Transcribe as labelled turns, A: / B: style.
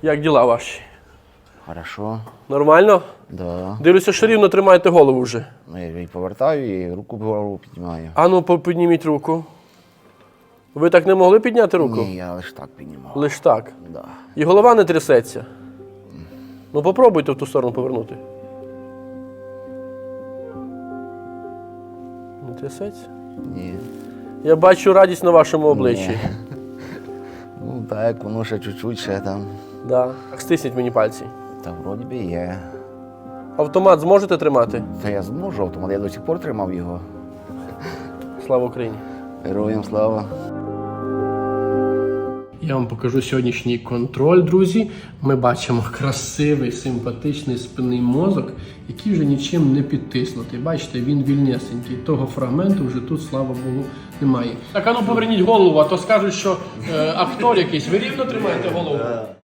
A: Як діла ваші?
B: Хорошо.
A: Нормально?
B: Да.
A: Дивлюся, що рівно тримаєте голову вже.
B: Ну, я повертаю і руку вгору піднімаю.
A: А ну, підніміть руку. Ви так не могли підняти руку?
B: Ні, я лише так піднімав.
A: Лиш так.
B: Да.
A: І голова не трясеться. Ну попробуйте в ту сторону повернути. Не трясеться?
B: Ні.
A: Я бачу радість на вашому обличчі.
B: Ні. Ну так, воно ще чуть-чуть ще там.
A: Да. Стисніть мені пальці.
B: Та вроді би є.
A: Автомат зможете тримати?
B: Та я зможу автомат, я до сих пор тримав його.
A: Слава Україні!
B: Героям слава.
A: Я вам покажу сьогоднішній контроль, друзі. Ми бачимо красивий, симпатичний спинний мозок, який вже нічим не підтиснутий. Бачите, він вільнесенький. Того фрагменту вже тут, слава Богу, немає. Так, а ну поверніть голову, а то скажуть, що актор якийсь. Ви рівно тримаєте голову?